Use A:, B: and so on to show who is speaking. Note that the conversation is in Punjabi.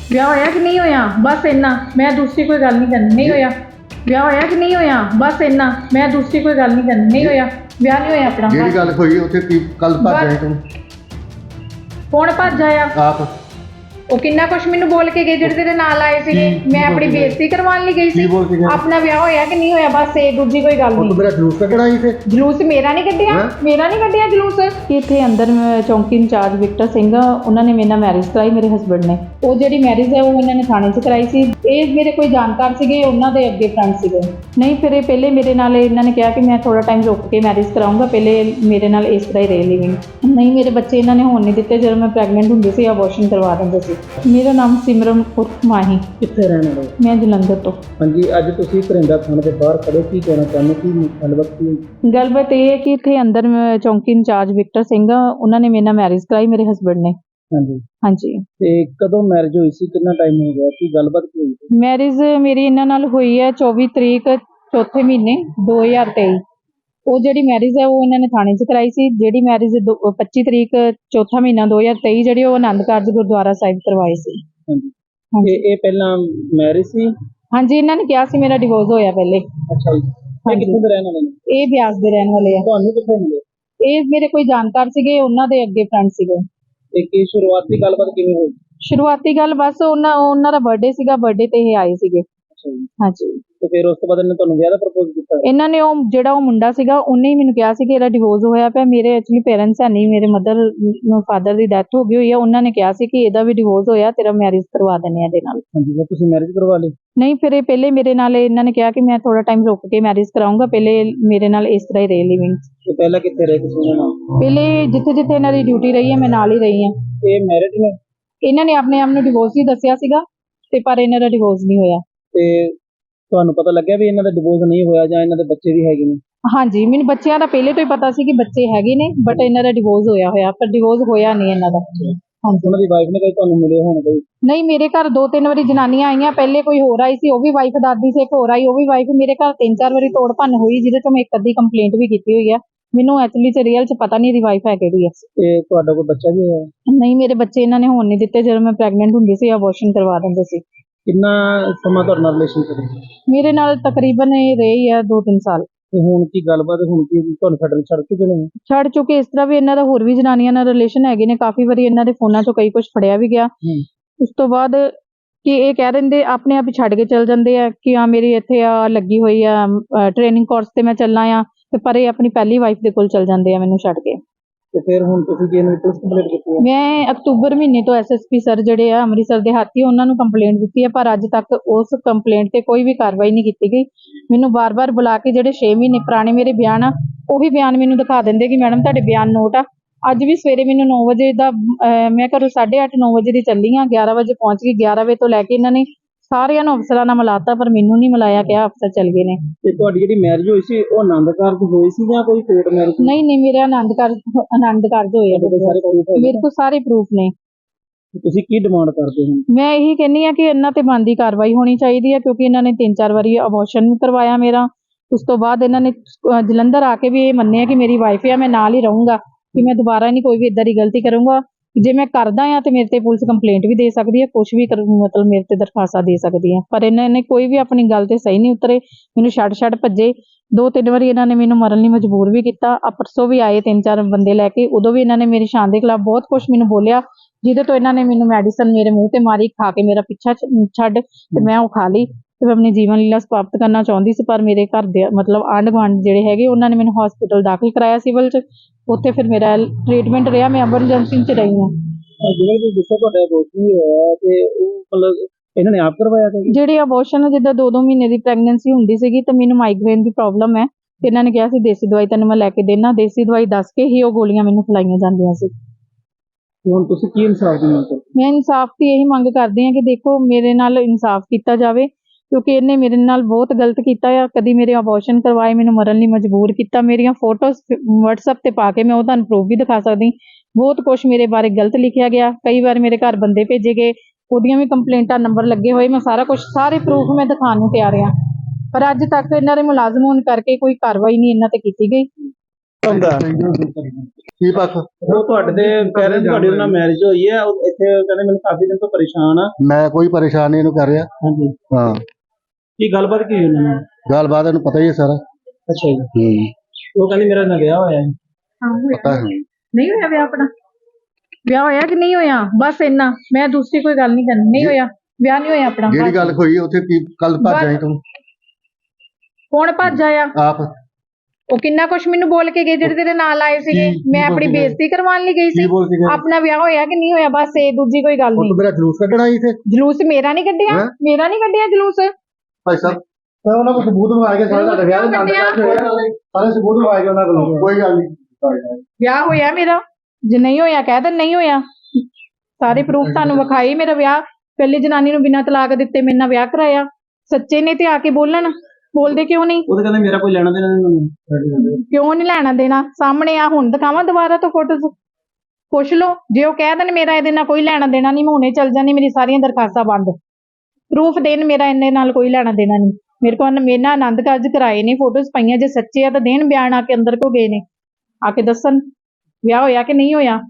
A: ਵਿਆਹ ਹੋਇਆ ਕਿ ਨਹੀਂ ਹੋਇਆ ਬਸ ਇੰਨਾ, ਮੈਂ ਦੂਸਰੀ ਕੋਈ ਗੱਲ ਨਹੀਂ ਕਰਨੀ। ਨਹੀਂ ਹੋਇਆ ਵਿਆਹ ਹੋਇਆ ਕਿ ਨਹੀਂ ਹੋਇਆ ਬਸ ਇੰਨਾ, ਮੈਂ ਦੂਸਰੀ ਕੋਈ ਗੱਲ ਨਹੀਂ ਕਰਨੀ। ਨਹੀਂ ਹੋਇਆ ਵਿਆਹ ਨਹੀਂ ਹੋਇਆ ਆਪਣਾ।
B: ਜਿਹੜੀ ਗੱਲ ਹੋਈ ਉੱਥੇ ਕੀ ਕੱਲ ਭੱਜ ਆਏ ਤੂੰ
A: ਕੌਣ ਭੱਜ ਆਇਆ?
B: ਆਪ
A: ਉਹ ਕਿੰਨਾ ਕੁਛ ਮੈਨੂੰ ਬੋਲ ਕੇ ਗਏ ਜਿਹੜੇ ਤੇਰੇ ਨਾਲ ਆਏ ਸੀਗੇ। ਮੈਂ ਆਪਣੀ ਬੇਇੱਜ਼ਤੀ ਕਰਵਾਉਣ ਲਈ ਗਈ ਸੀ।
B: ਕੀ ਬੋਲ ਕੇ ਗਏ?
A: ਆਪਣਾ ਵਿਆਹ ਹੋਇਆ ਕਿ ਨਹੀਂ ਹੋਇਆ ਬਸ ਇਹ, ਦੂਜੀ ਕੋਈ ਗੱਲ
B: ਉਹ
A: ਨਹੀਂ।
B: ਤੂੰ ਮੇਰਾ ਜਲੂਸ ਕੱਢਣਾ ਸੀ ਤੇ
A: ਜਲੂਸ ਮੇਰਾ ਨਹੀਂ ਕੱਢਿਆ, ਮੇਰਾ ਨਹੀਂ ਕੱਢਿਆ ਜਲੂਸ। ਇੱਥੇ ਅੰਦਰ ਚੌਂਕੀ ਇੰਚਾਰਜ ਵਿਕਟਰ ਸਿੰਘ ਉਹਨਾਂ ਨੇ ਮੇਰੇ ਨਾਲ ਮੈਰਿਜ ਕਰਾਈ, ਮੇਰੇ ਹਸਬੰਡ ਨੇ। ਉਹ ਜਿਹੜੀ ਮੈਰਿਜ ਹੈ ਉਹ ਇਹਨਾਂ ਨੇ ਥਾਣੇ 'ਚ ਕਰਾਈ ਸੀ। ਇਹ ਮੇਰੇ ਕੋਈ ਜਾਣਕਾਰ ਸੀਗੇ, ਉਹਨਾਂ ਦੇ ਅੱਗੇ ਫਰੈਂਡ ਸੀਗੇ। ਨਹੀਂ ਫਿਰ ਇਹ ਪਹਿਲੇ ਮੇਰੇ ਨਾਲ ਇਹਨਾਂ ਨੇ ਕਿਹਾ ਕਿ ਮੈਂ ਥੋੜਾ ਟਾਈਮ ਰੁਕ ਕੇ ਮੈਰਿਜ ਕਰਾਉਂਗਾ, ਪਹਿਲੇ ਮੇਰੇ ਨਾਲ ਇਸ ਤਰ੍ਹਾਂ ਹੀ ਰਹੇ ਲਿਵਿੰਗ। ਨਹੀਂ ਮੇਰੇ ਬੱਚੇ ਇਹਨਾਂ ਨੇ ਹੋਣ ਨਹੀਂ ਦਿੱਤੇ। ਜਦੋਂ ਮੈਂ ਪ੍ਰੈਗਨੈਂਟ ਹੁੰਦੀ ਸੀ ਅਬੋਰਸ਼ਨ ਕਰਵਾ ਦਿੰਦੇ ਸੀ। ਮੇਰਾ ਨਾਮ ਸਿਮਰਨ ਉਰਫ ਮਾਹੀ।
C: ਕਿੱਥੇ ਰਹਿਣ ਵਾਲੇ?
A: ਮੈਂ ਜਲੰਧਰ ਤੋਂ।
C: ਹਾਂਜੀ, ਅੱਜ ਤੁਸੀਂ ਘਰਿੰਡਾ ਥਾਣੇ ਦੇ ਬਾਹਰ ਖੜੇ, ਕੀ ਕਹਿਣਾ ਚਾਹੁੰਦੇ? ਕੀ ਗੱਲਬਾਤ ਕੀ?
A: ਗੱਲਬਾਤ ਇਹ ਹੈ ਕਿ ਇੱਥੇ ਅੰਦਰ ਚੌਂਕੀ ਇੰਚਾਰਜ ਵਿਕਟਰ ਸਿੰਘ ਉਹਨਾਂ ਨੇ ਮੇਰੇ ਨਾਲ ਮੈਰਿਜ ਕਰਾਈ, ਮੇਰੇ ਹਸਬੰਡ ਨੇ।
C: ਹਾਂਜੀ,
A: ਹਾਂਜੀ।
C: ਤੇ ਕਦੋਂ ਮੈਰਿਜ ਹੋਈ ਸੀ, ਕਿੰਨਾ ਟਾਈਮ ਹੋ ਗਿਆ, ਕੀ ਗੱਲਬਾਤ ਕੀ ਹੋਈ ਸੀ?
A: ਮੈਰਿਜ ਮੇਰੀ ਇਹਨਾਂ ਨਾਲ ਹੋਈ ਹੈ 24 ਤਰੀਕ ਚੌਥੇ ਮਹੀਨੇ 2023। ਉਹ ਜਿਹੜੀ ਮੈਰਿਜ ਹੈ ਉਹ ਇਹਨਾਂ ਨੇ ਥਾਣੇ 'ਚ ਕਰਾਈ ਸੀ। ਜਿਹੜੀ ਮੈਰਿਜ 25 ਤਰੀਕ ਚੌਥਾ ਮਹੀਨਾ 2023 ਜਿਹੜੀ ਉਹ ਆਨੰਦ ਕਾਰਜ ਗੁਰਦੁਆਰਾ ਸਾਹਿਬ ਕਰਵਾਈ ਸੀ।
C: ਹਾਂਜੀ,
A: ਹਾਂਜੀ।
C: ਤੇ ਇਹ ਪਹਿਲਾਂ ਮੈਰਿਜ ਸੀ?
A: ਹਾਂਜੀ, ਇਹਨਾਂ ਨੇ ਕਿਹਾ ਸੀ ਮੇਰਾ ਡਿਵੋਰਸ ਹੋਇਆ ਪਹਿਲੇ।
C: ਅੱਛਾ ਜੀ। ਇਹ ਕਿੱਥੇ ਦੇ ਰਹਿਣ ਵਾਲੇ ਨੇ?
A: ਇਹ ਬਿਆਸ ਦੇ ਰਹਿਣ ਵਾਲੇ ਆ।
C: ਤੁਹਾਨੂੰ ਕਿੱਥੇ ਮਿਲੇ?
A: ਇਹ ਮੇਰੇ ਕੋਈ ਜਾਣਕਾਰ ਸੀਗੇ, ਉਹਨਾਂ ਦੇ ਅੱਗੇ ਫਰੈਂਡ ਸੀਗੇ।
C: ਤੇ ਕੀ ਸ਼ੁਰੂਆਤੀ ਗੱਲਬਾਤ ਕਿਵੇਂ ਹੋਈ?
A: ਸ਼ੁਰੂਆਤੀ ਗੱਲ ਬਸ ਉਹਨਾਂ ਦਾ ਬਰਥਡੇ ਸੀਗਾ, ਬਰਥਡੇ ਤੇ ਇਹ ਆਏ ਸੀਗੇ।
C: ਅੱਛਾ ਜੀ।
A: ਹਾਂਜੀ।
C: ਤੇ ਫਿਰ ਉਸ ਤੋਂ ਬਾਅਦ ਇਹਨੇ ਤੁਹਾਨੂੰ ਵਿਆਹ ਦਾ ਪ੍ਰਪੋਜ਼ ਕੀਤਾ?
A: ਇਹਨਾਂ ਨੇ ਉਹ ਜਿਹੜਾ ਉਹ ਮੁੰਡਾ ਸੀਗਾ ਉਹਨੇ ਹੀ ਮੈਨੂੰ ਕਿਹਾ ਸੀ ਕਿ ਇਹਦਾ ਡਿਵੋਰਸ ਹੋਇਆ ਪਿਆ। ਮੇਰੇ ਐਕਚੁਅਲੀ ਪੇਰੈਂਟਸ ਹੈ ਨਹੀਂ, ਮੇਰੇ ਫਾਦਰ ਦੀ ਡੈਥ ਹੋ ਗਈ ਹੋਈ ਆ। ਉਹਨਾਂ ਨੇ ਕਿਹਾ ਸੀ ਕਿ ਇਹਦਾ ਵੀ ਡਿਵੋਰਸ ਹੋਇਆ, ਤੇਰਾ ਮੈਰਿਜ ਕਰਵਾ ਦਿੰਦੇ ਆ ਇਹਦੇ ਨਾਲ।
C: ਹਾਂਜੀ, ਫਿਰ ਤੁਸੀਂ ਮੈਰਿਜ ਕਰਵਾ ਲਈ?
A: ਨਹੀਂ ਫਿਰ ਇਹ ਪਹਿਲੇ ਮੇਰੇ ਨਾਲ ਇਹਨਾਂ ਨੇ ਕਿਹਾ ਕਿ ਮੈਂ ਥੋੜਾ ਟਾਈਮ ਰੁਕ ਕੇ ਮੈਰਿਜ ਕਰਾਉਂਗਾ, ਪਹਿਲੇ ਮੇਰੇ ਨਾਲ ਇਸ ਤਰ੍ਹਾਂ ਹੀ ਰਹੇ ਲਿਵਿੰਗ।
C: ਤੇ ਪਹਿਲਾਂ ਕਿੱਥੇ ਰਹੇ ਤੁਸੀਂ ਨਾਲ?
A: ਪਹਿਲੇ ਜਿੱਥੇ ਜਿੱਥੇ ਇਹਨਾਂ ਦੀ ਡਿਊਟੀ ਰਹੀ ਹੈ ਮੈਂ ਨਾਲ ਹੀ ਰਹੀ ਹਾਂ।
C: ਇਹ ਮੈਰਿਡ ਨੇ?
A: ਇਹਨਾਂ ਨੇ ਆਪਣੇ ਆਪ ਨੂੰ ਡਿਵੋਰਸ ਹੀ ਦੱਸਿਆ ਸੀਗਾ ਤੇ ਪਰ ਇਹਨਾਂ ਦਾ ਡਿਵੋਰਸ ਨਹੀਂ ਹੋਇਆ।
C: ਤੇ ਤੁਹਾਨੂੰ ਪਤਾ ਲੱਗਿਆ ਵੀ ਇਹਨਾਂ ਦਾ ਡਿਵੋਰਸ ਨਹੀਂ ਹੋਇਆ ਜਾਂ ਇਹਨਾਂ ਦੇ ਬੱਚੇ ਵੀ ਹੈਗੇ ਨੇ?
A: ਹਾਂਜੀ, ਮੈਨੂੰ ਬੱਚਿਆਂ ਦਾ ਪਹਿਲੇ ਤੋਂ ਹੀ ਪਤਾ ਸੀ ਕਿ ਬੱਚੇ ਹੈਗੇ ਨੇ, ਬਟ ਇਹਨਾਂ ਦਾ ਡਿਵੋਰਸ ਹੋਇਆ ਪਰ ਡਿਵੋਰਸ ਹੋਇਆ ਨਹੀਂ ਇਹਨਾਂ ਦਾ। ਹਾਂਜੀ।
C: ਉਹਨਾਂ ਦੀ ਵਾਈਫ ਨੇ ਕਦੇ ਤੁਹਾਨੂੰ ਮਿਲੇ ਹੋਣ ਕੋਈ?
A: ਨਹੀਂ, ਮੇਰੇ ਘਰ 2-3 ਵਾਰੀ ਜਨਾਨੀਆਂ ਆਈਆਂ। ਪਹਿਲੇ ਕੋਈ ਹੋਰ ਆਈ ਸੀ, ਉਹ ਵੀ ਵਾਈਫ ਦਾਦੀ ਸੀ। ਇੱਕ ਹੋਰ ਆਈ, ਉਹ ਵੀ ਵਾਈਫ। ਮੇਰੇ ਘਰ 3-4 ਵਾਰੀ ਤੋੜ ਭੰਨ ਹੋਈ, ਜਿਹਦੇ ਤੋਂ ਮੈਂ ਇੱਕ ਅੱਧੀ ਕੰਪਲੇਂਟ ਵੀ ਕੀਤੀ ਹੋਈ ਆ। ਮੈਨੂੰ ਐਕਚੁਅਲੀ ਚ ਰੀਅਲ ਚ ਪਤਾ ਨਹੀਂ ਇਹਦੀ ਵਾਈਫ ਹੈ ਕਿਹੜੀ ਹੈ।
C: ਤੇ ਤੁਹਾਡਾ ਕੋਈ ਬੱਚਾ ਵੀ ਹੋਇਆ?
A: ਨਹੀਂ, ਮੇਰੇ ਬੱਚੇ ਇਹਨਾਂ ਨੇ ਹੋਣ ਨਹੀਂ ਦਿੱਤੇ। ਜਦੋਂ ਮੈਂ ਪ੍ਰੈਗਨੈਂਟ ਹੁੰਦੀ ਸੀ ਅਬੋਰਸ਼ਨ ਕਰਵਾ ਦਿੰਦੇ ਸੀ।
C: ਕਿੰਨਾ ਸਮਾਂ ਤੁਹਾਡੇ ਨਾਲ ਰਿਲੇਸ਼ਨ ਕਰੇ?
A: ਮੇਰੇ ਨਾਲ ਤਕਰੀਬਨ ਇਹ ਰਹੀ ਆ 2-3 ਸਾਲ।
C: ਤੇ ਹੁਣ ਕੀ ਗੱਲਬਾਤ, ਹੁਣ ਕੀ ਤੁਹਾਨੂੰ ਛੱਡ ਚੁੱਕੇ ਨੇ?
A: ਛੱਡ ਚੁੱਕੇ ਇਸ ਤਰ੍ਹਾਂ ਵੀ ਇਹਨਾਂ ਦਾ ਹੋਰ ਵੀ ਜਨਾਨੀਆਂ ਨਾਲ ਰਿਲੇਸ਼ਨ ਹੈਗੇ ਨੇ। ਕਾਫੀ ਵਾਰੀ ਇਹਨਾਂ ਦੇ ਫੋਨਾਂ ਚੋਂ ਕਈ ਕੁਝ ਫੜਿਆ ਵੀ ਗਿਆ। ਉਸ ਤੋਂ ਬਾਅਦ ਕਿ ਇਹ ਕਹਿ ਦਿੰਦੇ ਆਪਣੇ ਆਪ ਹੀ ਛੱਡ ਕੇ ਚਲ ਜਾਂਦੇ ਆ ਕਿ ਹਾਂ ਮੇਰੀ ਇੱਥੇ ਆ ਲੱਗੀ ਹੋਈ ਆ ਟ੍ਰੇਨਿੰਗ ਕੋਰਸ ਤੇ ਮੈਂ ਚੱਲਾਂ ਆ, ਤੇ ਪਰ ਇਹ ਆਪਣੀ ਪਹਿਲੀ ਵਾਈਫ ਦੇ ਕੋਲ ਚਲ ਜਾਂਦੇ ਆ ਮੈਨੂੰ ਛੱਡ ਕੇ।
C: ਤੇ ਫਿਰ ਹੁਣ ਤੁਸੀਂ ਕੀ ਇਹਨੂੰ ਪੁਲਿਸ ਕੰਪਲੇਂਟ ਕੀਤੀ ਹੈ?
A: ਮੈਂ ਅਕਤੂਬਰ ਮਹੀਨੇ ਤੋਂ ਐਸਐਸਪੀ ਸਰ ਜਿਹੜੇ ਆ ਅੰਮ੍ਰਿਤਸਰ ਦੇ ਹਾਥੀ, ਉਹਨਾਂ ਨੂੰ ਕੰਪਲੇਂਟ ਦਿੱਤੀ ਹੈ, ਪਰ ਅੱਜ ਤੱਕ ਉਸ ਕੰਪਲੇਂਟ ਤੇ ਕੋਈ ਵੀ ਕਾਰਵਾਈ ਨਹੀਂ ਕੀਤੀ ਗਈ। ਮੈਨੂੰ ਬਾਰ-ਬਾਰ ਬੁਲਾ ਕੇ ਜਿਹੜੇ 6 ਮਹੀਨੇ ਪੁਰਾਣੇ ਮੇਰੇ ਬਿਆਨ ਆ ਉਹੀ ਬਿਆਨ ਮੈਨੂੰ ਦਿਖਾ ਦਿੰਦੇ ਕਿ ਮੈਡਮ ਤੁਹਾਡੇ ਬਿਆਨ ਨੋਟ ਆ। ਅੱਜ ਵੀ ਸਵੇਰੇ ਮੈਨੂੰ 9 ਵਜੇ ਦਾ ਮੈਂ ਘਰੋਂ 8:30-9 ਵਜੇ ਦੀ ਚੱਲੀ ਹਾਂ, 11 ਵਜੇ ਪਹੁੰਚ ਗਈ। 11 ਵਜੇ ਤੋਂ ਲੈ ਕੇ ਇਹਨਾਂ ਨੇ ਸਾਰਿਆਂ ਨੂੰ ਅਫਸਰਾਂ ਨਾਲ ਮਿਲਾਤਾ, ਪਰ ਮੈਨੂੰ ਨਹੀਂ ਮਿਲਾਇਆ ਗਿਆ। ਅਫਸਰ ਚੱਲ ਗਏ ਨੇ।
C: ਤੇ ਤੁਹਾਡੀ ਜਿਹੜੀ ਮੈਰਿਜ ਹੋਈ ਸੀ ਉਹ ਆਨੰਦ ਕਾਰਜ ਹੋਈ ਸੀ ਜਾਂ ਕੋਈ ਕੋਰਟ ਮੈਰਿਜ?
A: ਨਹੀਂ, ਮੇਰੇ ਆਨੰਦ ਕਾਰਜ ਹੋਏ ਆ। ਮੇਰੇ ਕੋਲ ਸਾਰੇ ਪ੍ਰੂਫ ਨੇ।
C: ਤੁਸੀਂ ਕੀ ਡਿਮਾਂਡ ਕਰਦੇ ਹੋ?
A: ਮੈਂ ਇਹੀ ਕਹਿੰਨੀ ਆ ਕਿ ਇਹਨਾਂ ਤੇ ਬਣਦੀ ਕਾਰਵਾਈ ਹੋਣੀ ਚਾਹੀਦੀ ਹੈ, ਕਿਉਂਕਿ ਇਹਨਾਂ ਨੇ 3-4 ਵਾਰੀ ਅਬੋਰਸ਼ਨ ਕਰਵਾਇਆ ਮੇਰਾ। ਉਸ ਤੋਂ ਬਾਅਦ ਇਹਨਾਂ ਨੇ ਜਲੰਧਰ ਆ ਕੇ ਵੀ ਇਹ ਮੰਨਿਆ ਕਿ ਮੇਰੀ ਵਾਈਫ ਆ, ਮੈਂ ਨਾਲ ਹੀ ਰਹੂੰਗਾ, ਕਿ ਮੈਂ ਦੁਬਾਰਾ ਨਹੀਂ ਕੋਈ ਵੀ ਇਦਾਂ ਦੀ ਗਲਤੀ ਕਰੂੰਗਾ। ਜੇ ਮੈਂ ਕਰਦਾ ਆ ਤੇ ਮੇਰੇ ਤੇ ਪੁਲਿਸ ਕੰਪਲੇਂਟ ਵੀ ਦੇ ਸਕਦੀ ਹੈ, ਕੁਝ ਵੀ ਮਤਲਬ ਮੇਰੇ ਤੇ ਦਰਖਾਸਤਾਂ ਦੇ ਸਕਦੀ ਹੈ। ਪਰ ਇਹਨਾਂ ਨੇ ਕੋਈ ਵੀ ਆਪਣੀ ਗੱਲ ਤੇ ਸਹੀ ਨਹੀਂ ਉਤਰੇ, ਮੈਨੂੰ ਛੱਡ ਭੱਜੇ। 2-3 ਵਾਰੀ ਇਹਨਾਂ ਨੇ ਮੈਨੂੰ ਮਰਨ ਲਈ ਮਜਬੂਰ ਵੀ ਕੀਤਾ। ਪਰਸੋਂ ਵੀ ਆਏ 3-4 ਬੰਦੇ ਲੈ ਕੇ, ਉਦੋਂ ਵੀ ਇਹਨਾਂ ਨੇ ਮੇਰੀ ਸ਼ਾਨ ਦੇ ਖਿਲਾਫ ਬਹੁਤ ਕੁਝ ਮੈਨੂੰ ਬੋਲਿਆ, ਜਿਹਦੇ ਤੋਂ ਇਹਨਾਂ ਨੇ ਮੈਨੂੰ ਮੈਡੀਸਨ ਮੇਰੇ ਮੂੰਹ ਤੇ ਮਾਰੀ, ਖਾ ਕੇ ਮੇਰਾ ਪਿੱਛਾ ਛੱਡ ਤੇ ਮੈਂ ਉਹ ਖਾ ਲਈ ਤੇ ਮੈਂ ਆਪਣੀ ਜੀਵਨ ਲੀਲਾ ਸਮਾਪਤ ਕਰਨਾ ਚਾਹੁੰਦੀ ਸੀ। ਪਰ ਮੇਰੇ ਘਰ ਦੇ ਮਤਲਬ ਆਂਢ ਗੁਆਂਢ ਜਿਹੜੇ ਹੈਗੇ ਉਹਨਾਂ ਨੇ ਮੈਨੂੰ ਹਸਪੀਟਲ ਦਾਖਲ ਕਰਾਇਆ ਸਿਵਲ 'ਚ। ਉੱਥੇ ਫਿਰ ਮੇਰਾ ਟ੍ਰੀਟਮੈਂਟ ਰਿਹਾ, ਮੈਂ ਐਮਰਜੈਂਸੀ 'ਚ ਰਹੀ ਹਾਂ।
C: ਜਿਵੇਂ ਤੁਸੀਂ ਦੱਸਿਆ ਤੁਹਾਡਾ ਅਬੋਰਸ਼ਨ ਹੋਇਆ ਤੇ ਉਹ ਮਤਲਬ ਇਹਨਾਂ ਨੇ ਆਪ ਕਰਵਾਇਆ ਸੀ?
A: ਜਿਹੜੇ ਅਬੋਰਸ਼ਨ ਜਿੱਦਾਂ 2-2 ਮਹੀਨੇ ਦੀ ਪ੍ਰੈਗਨੈਂਸੀ ਹੁੰਦੀ ਸੀਗੀ ਤੇ ਮੈਨੂੰ ਮਾਈਗ੍ਰੇਨ ਦੀ ਪ੍ਰੋਬਲਮ ਹੈ, ਤੇ ਇਹਨਾਂ ਨੇ ਕਿਹਾ ਸੀ ਦੇਸੀ ਦਵਾਈ ਤੈਨੂੰ ਮੈਂ ਲੈ ਕੇ ਦੇਣਾ। ਦੇਸੀ ਦਵਾਈ ਦੱਸ ਕੇ ਹੀ ਉਹ ਗੋਲੀਆਂ ਮੈਨੂੰ ਖਿਲਾਈਆਂ ਜਾਂਦੀਆਂ ਸੀ।
C: ਹੁਣ ਤੁਸੀਂ ਕੀ ਇਨਸਾਫ ਦੀ ਮੰਗ ਕਰਦੇ?
A: ਮੈਂ ਇਨਸਾਫ ਦੀ ਇਹੀ ਮੰਗ ਕਰਦੀ ਹਾਂ ਕਿ ਦੇਖੋ ਮੇਰੇ ਨਾਲ ਇਨਸਾਫ ਕੀਤਾ ਜਾਵੇ, ਕਿਉਂਕਿ ਇਹਨੇ ਮੇਰੇ ਨਾਲ ਬਹੁਤ ਗਲਤ ਕੀਤਾ ਆ। ਕਦੀ ਮੇਰੇ ਅਬੋਰਸ਼ਨ ਕਰਵਾਏ, ਮੈਨੂੰ ਮਰਨ ਲਈ ਮਜਬੂਰ ਕੀਤਾ। ਮੇਰੀਆਂ ਫੋਟੋਜ਼ WhatsApp ਤੇ ਪਾ ਕੇ ਮੈਂ ਉਹ ਤੁਹਾਨੂੰ ਪ੍ਰੂਫ ਵੀ ਦਿਖਾ ਸਕਦੀ। ਬਹੁਤ ਕੁਝ ਮੇਰੇ ਬਾਰੇ ਗਲਤ ਲਿਖਿਆ ਗਿਆ। ਕਈ ਵਾਰ ਮੇਰੇ ਘਰ ਬੰਦੇ ਭੇਜੇ ਗਏ, ਉਹਦੀਆਂ ਵੀ ਕੰਪਲੇਂਟਾਂ ਨੰਬਰ ਲੱਗੇ ਹੋਏ। ਮੈਂ ਸਾਰਾ ਕੁਝ ਸਾਰੇ ਪ੍ਰੂਫ ਮੈਂ ਦਿਖਾਉਣ ਨੂੰ ਤਿਆਰ ਹਾਂ, ਪਰ ਅੱਜ ਤੱਕ ਇਹਨਾਂ ਦੇ ਮੁਲਾਜ਼ਮ ਹੋਣ ਕਰਕੇ ਕੋਈ ਕਾਰਵਾਈ ਨਹੀਂ ਇਹਨਾਂ ਤੇ ਕੀਤੀ ਗਈ।
C: ਹੁੰਦਾ
B: ਕੀ ਪੱਖ?
C: ਉਹ ਤੁਹਾਡੇ ਦੇ ਪੈਰੈਂਟਸ ਤੁਹਾਡੇ ਨਾਲ ਮੈਰਿਜ ਹੋਈ ਹੈ ਉਹ ਇੱਥੇ ਕਹਿੰਦੇ ਮੈਨੂੰ ਕਾਫੀ ਦਿਨ ਤੋਂ ਪਰੇਸ਼ਾਨ ਆ।
B: ਮੈਂ ਕੋਈ ਪਰੇਸ਼ਾਨ ਨਹੀਂ ਇਹਨੂੰ ਕਰ ਰਿਹਾ।
C: ਹਾਂਜੀ
B: ਹਾਂ,
C: ਕੀ ਗੱਲਬਾਤ ਕੀ ਹੋਈ ਉਹਨਾਂ ਨਾਲ?
B: ਗੱਲਬਾਤ ਇਹਨੂੰ ਪਤਾ ਹੀ ਹੈ ਸਾਰਾ।
C: ਅੱਛਾ ਜੀ ਉਹ ਕਹਿੰਦੀ ਮੇਰਾ ਨਾਲ ਵਿਆਹ ਹੋਇਆ ਹੈ।
B: ਪਤਾ ਹੈ।
A: ਨਹੀਂ ਹੋਇਆ ਵਿਆਹ ਆਪਣਾ? ਵਿਆਹ ਹੋਇਆ ਕਿ ਨਹੀਂ ਹੋਇਆ? ਬਸ ਇੰਨਾ, ਮੈਂ ਦੂਸਰੀ ਕੋਈ ਗੱਲ ਨਹੀਂ ਕਰਨੀ। ਨਹੀਂ ਹੋਇਆ ਵਿਆਹ, ਨਹੀਂ ਹੋਇਆ ਆਪਣਾ।
B: ਜਿਹੜੀ ਗੱਲ ਹੋਈ ਉੱਥੇ ਕੀ ਕੱਲ ਭੱਜ ਆਈ ਤੂੰ?
A: ਕੌਣ ਭੱਜ ਆਇਆ?
B: ਆਪ
A: ਉਹ ਕਿੰਨਾ ਕੁਛ ਮੈਨੂੰ ਬੋਲ ਕੇ ਗਏ ਜਿਹੜੇ ਤੇਰੇ ਨਾਲ ਆਏ ਸੀਗੇ। ਮੈਂ ਆਪਣੀ ਬੇਇੱਜ਼ਤੀ ਕਰਵਾਉਣ ਲਈ ਗਈ
B: ਕੀ
A: ਸੀ।
B: ਬੋਲ ਕੇ ਗਏ?
A: ਆਪਣਾ ਵਿਆਹ ਹੋਇਆ ਕਿ ਨਹੀਂ ਹੋਇਆ, ਬਸ ਇਹ ਦੂਜੀ ਕੋਈ ਗੱਲ
B: ਉਹ
A: ਨਹੀਂ।
B: ਤੂੰ ਮੇਰਾ ਜਲੂਸ ਕੱਢਣਾ ਸੀ ਇੱਥੇ?
A: ਜਲੂਸ ਮੇਰਾ ਨਹੀਂ ਕੱਢਿਆ,
B: ਹੈਂ?
A: ਮੇਰਾ ਨਹੀਂ ਕੱਢਿਆ ਜਲੂਸ।
B: ਭਾਈ ਸਾਹਿਬ ਤਾਂ ਉਹਨਾਂ ਕੋਲ ਸਬੂਤ ਲਵਾ ਕੇ ਸਾਰਾ ਤੁਹਾਡਾ ਵਿਆਹ ਦਾ ਸਾਰੇ ਸਬੂਤ ਲਵਾ ਕੇ ਉਹਨਾਂ ਕੋਲ। ਕੋਈ ਗੱਲ ਨਹੀਂ।
A: ਵਿਆਹ ਹੋਇਆ ਮੇਰਾ, ਜੇ ਨਹੀਂ ਹੋਇਆ ਕਹਿ ਦੇ ਨਹੀਂ ਹੋਇਆ। ਸਾਰੇ ਪ੍ਰੂਫ ਤੁਹਾਨੂੰ ਵਿਖਾਈ। ਮੇਰਾ ਵਿਆਹ ਪਹਿਲੀ ਜਨਾਨੀ ਨੂੰ ਬਿਨਾਂ ਤਲਾਕ ਦਿੱਤੇ ਮੇਰੇ ਨਾਲ ਵਿਆਹ ਕਰਾਇਆ। ਸੱਚੇ ਨੇ ਤੇ ਆ ਕੇ ਬੋਲਣ, ਬੋਲਦੇ ਕਿਉਂ ਨਹੀਂ?
C: ਉਹ ਤਾਂ ਕਹਿੰਦੇ ਮੇਰਾ ਕੋਈ ਲੈਣਾ ਦੇਣਾ ਨਹੀਂ।
A: ਕਿਉਂ ਨਹੀਂ ਲੈਣਾ ਦੇਣਾ? ਸਾਹਮਣੇ ਆ, ਹੁਣ ਦਿਖਾਵਾਂ ਦੁਬਾਰਾ ਤੋਂ ਫੋਟੋਜ਼? ਪੁੱਛ ਲਓ। ਜੇ ਉਹ ਕਹਿ ਦੇਣ ਮੇਰਾ ਇਹਦੇ ਨਾਲ ਕੋਈ ਲੈਣਾ ਦੇਣਾ ਨਹੀਂ, ਮੈਂ ਹੁਣੇ ਚੱਲ ਜਾਂਦੀ, ਮੇਰੀ ਸਾਰੀਆਂ ਦਰਖਾਸਤਾਂ ਬੰਦ। ਪ੍ਰੂਫ ਦੇਣ ਮੇਰਾ ਇਹਨੇ ਨਾਲ ਕੋਈ ਲੈਣਾ ਦੇਣਾ ਨਹੀਂ। ਮੇਰੇ ਕੋਲ ਮੇਰੇ ਨਾਲ ਆਨੰਦ ਕਾਰਜ ਕਰਾਏ ਨੇ, ਫੋਟੋਜ਼ ਪਈਆਂ। ਜੇ ਸੱਚੇ ਆ ਤਾਂ ਦੇਣ ਬਿਆਨ, ਆ ਕੇ ਅੰਦਰ ਕੋ ਗਏ ਨੇ, ਆ ਕੇ ਦੱਸਣ ਵਿਆਹ ਹੋਇਆ ਕਿ ਨਹੀਂ ਹੋਇਆ।